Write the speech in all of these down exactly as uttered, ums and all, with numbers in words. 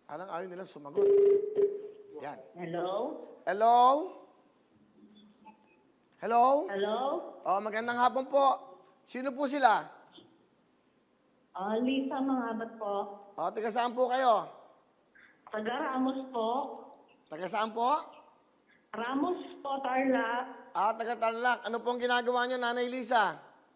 Alang ayaw nilang sumagot. Yan. Hello? Hello? Hello? Hello? Oh, magandang hapon po. Sino po sila? Ah, Lisa Mangabat po. Oh, taga saan po kayo? Taga Ramos po. Taga saan po? Ramos po, Tarlac. Ah, taga Tarlac. Ano pong ginagawa niyo, Nanay Lisa?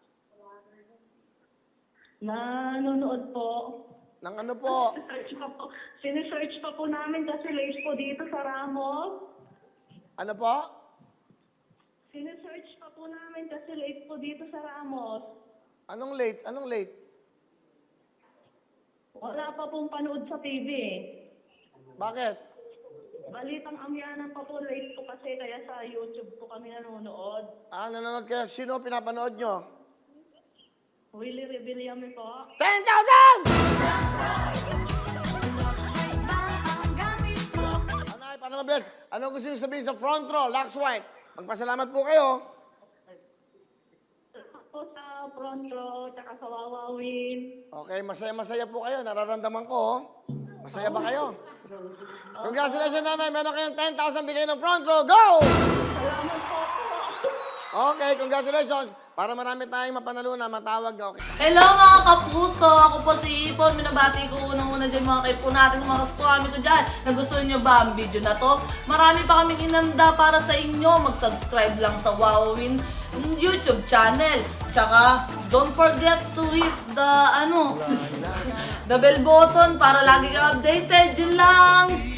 Nanonood po. Nang ano po? Sinesearch pa po. Sinesearch pa po namin kasi late po dito sa Ramos. Ano po? Sinesearch pa po namin kasi late po dito sa Ramos. Anong late? Anong late? Wala pa pong panood sa T V eh. Bakit? Balitang amyanan pa po, late po kasi kaya sa YouTube po kami nanonood. Ah, nanonood kayo. Sino pinapanood nyo? Willie Rebillame po. ten thousand! Anay, paano mabilis? Ano gusto nyo sabihin sa front row? Lux White. Magpasalamat po kayo. Po sa front row, tsaka sa Wawawin. Okay, masaya-masaya po kayo. Nararamdaman ko, oh. Masaya ba kayo? Congratulations, Nanay. Meron kayong ten thousand bigay ng front row. Go! Salamat po po. Okay, congratulations. Para marami tayong mapanalunan, matawag. Okay. Hello mga kapuso! Ako po si Ipon. Minabati ko unang-una dyan mga kaipo natin, mga kaskwami ko dyan. Nagustuhan nyo ba ang video na to? Marami pa kaming inanda para sa inyo. Mag-subscribe lang sa Wowin YouTube channel. Tsaka, don't forget to hit the, ano, the bell button para lagi kang updated. Yun lang!